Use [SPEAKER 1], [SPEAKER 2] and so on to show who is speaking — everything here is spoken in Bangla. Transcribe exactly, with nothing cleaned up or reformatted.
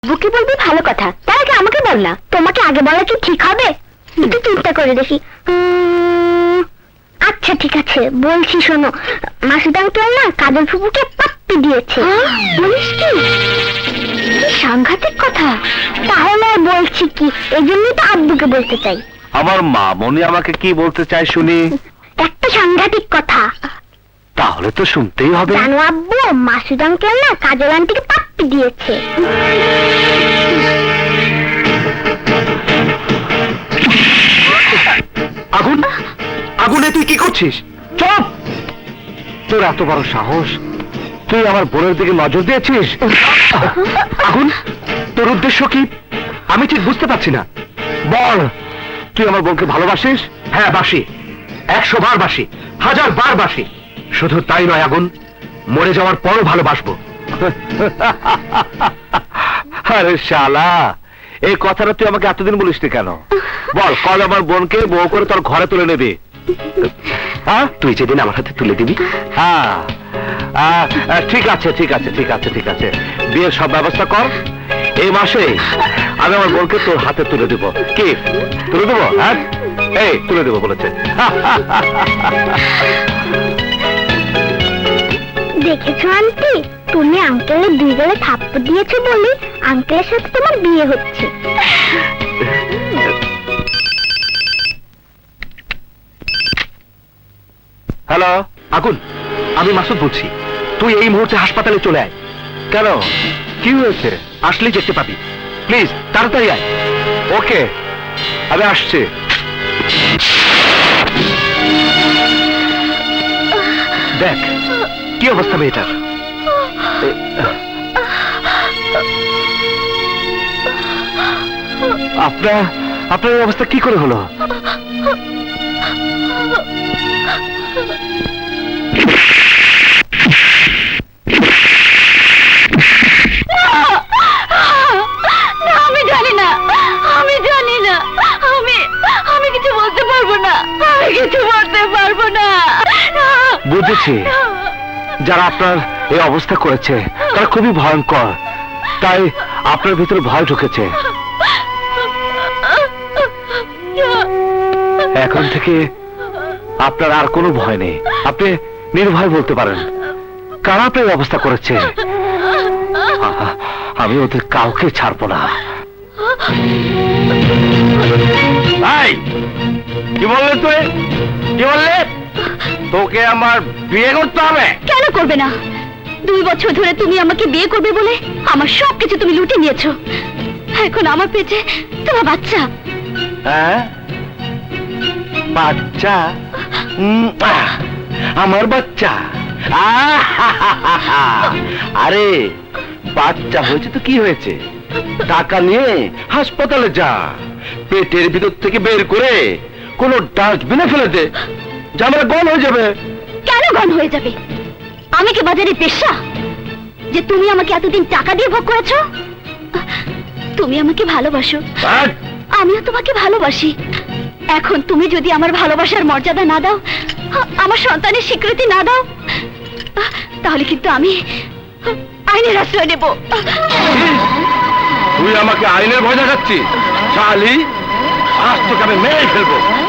[SPEAKER 1] বুকে বলবি ভালো কথা, তার আগে আমাকে বল না। তোমাকে আগে বলা কি ঠিক হবে? একটু চিন্তা করে দেখি। উম, আচ্ছা ঠিক আছে, বলছি শোনো। মাসুদ আঙ্কেল না কাজল ফুপুকে পাপ্পি দিয়েছে। বলিস কি? সাংঘাতিক কথা। তাহলে আর বলছি কি, এই জন্যই তো আব্বুকে বলতে চাই।
[SPEAKER 2] আমার মা মনি আমাকে কি বলতে চায় শুনি?
[SPEAKER 1] একটা সাংঘাতিক কথা।
[SPEAKER 2] তাহলে তো শুনতেই হবে।
[SPEAKER 1] জানো আব্বু, মাসুদ আঙ্কেল না কাজল আন্টিকে পাপ্পি দিয়েছে।
[SPEAKER 2] আগুন, আগুনে তুই কি করছিস? চুপ! তোর এত বড় সাহস, তুই আমার বোনের দিকে নজর দিয়েছিস? আগুন, তোর উদ্দেশ্য কি আমি ঠিক বুঝতে পারছি না। বল, তুই আমার বোনকে ভালোবাসিস? হ্যাঁ বাসি, একশো বার বাসি, হাজার বার বাসি। শুধু তাই নয় আগুন, মরে যাওয়ার পরও ভালোবাসবো। আরে শালা, এই কথাটা তুই আমাকে এতদিন বলিসনি কেন? বল, কল আমার বোনকে বউ করে তোর ঘরে তুলে নেবি। হ্যাঁ, তুই যেদিন আমার হাতে তুলে দিবি। হ্যাঁ, ঠিক আছে ঠিক আছে ঠিক আছে ঠিক আছে বিয়ের সব ব্যবস্থা কর। এই মাসে আমি আমার বোনকে তোর হাতে তুলে দেবো। কি তুলে দেবো? হ্যাঁ, এই তুলে দেবো বলেছে।
[SPEAKER 1] দেখেছো আন্টি, তুমি আঙ্কেলের দুই গালে থাপ্পড় দিয়েছো বলে আঙ্কেলের সাথে তোমার বিয়ে হচ্ছে।
[SPEAKER 2] হ্যালো আগুন, আমি মাসুদ বলছি। তুই এই মুহূর্তে হাসপাতালে চলে আয়। কেন, কি হয়েছে? আসলেই দেখতে পাবি। প্লিজ তাড়াতাড়ি আয়। ওকে, আমি আসছি। দেখ কি অবস্থা মেয়েটার। আপনার আপনার এই অবস্থা কি করে হলো?
[SPEAKER 1] আমি জানি না, আমি জানি না, আমি আমি কিছু বলতে পারবো না, আমি কিছু বলতে পারবো না।
[SPEAKER 2] বুঝেছি, যারা আপনার এই অবস্থা করেছে তারা খুবই ভয়ঙ্কর, তাই আপনার ভিতরে ভয় ঢুকেছে। এখন থেকে আপনার আর কোনো ভয় নেই, আপনি নির্ভয় বলতে পারেন। কারা আপনার এই অবস্থা করেছে? আমি ওদের কাউকে ছাড়বো না। কি বললে তুই? কি বললে? তোকে আমার বিয়ে করতে হবে?
[SPEAKER 1] কেন করবে না? দুই বছর ধরে তুমি আমাকে বিয়ে করবে বলে আমার সবকিছু তুমি লুটে নিয়েছো। এখন আমার পেটে তোমার বাচ্চা।
[SPEAKER 2] হ্যাঁ, বাচ্চা? উম, আহ, আমার বাচ্চা? আরে বাচ্চা হয়েছে তো কি হয়েছে, টাকা নিয়ে হাসপাতালে যা, পেটের ভিতর থেকে বের করে কোন ডাস্টবিনে ফেলে দে, জামাটা গন হয়ে যাবে।
[SPEAKER 1] কেন গন হয়ে যাবে? আমি কি বাজারে পেশা যে তুমি আমাকে এতদিন টাকা দিয়ে ভোগ করেছো? তুমি আমাকে ভালোবাসো, আমিও তোমাকে ভালোবাসি। এখন তুমি যদি আমার ভালোবাসার মর্যাদা না দাও, আমার সন্তানের স্বীকৃতি না দাও, তাহলে কিন্তু আমি আইনের আশ্রয় নেব।
[SPEAKER 2] তুই আমাকে আইনের ভয় দেখাচ্ছিস? শালি, আজ তোকে আমি মেরে ফেলবো।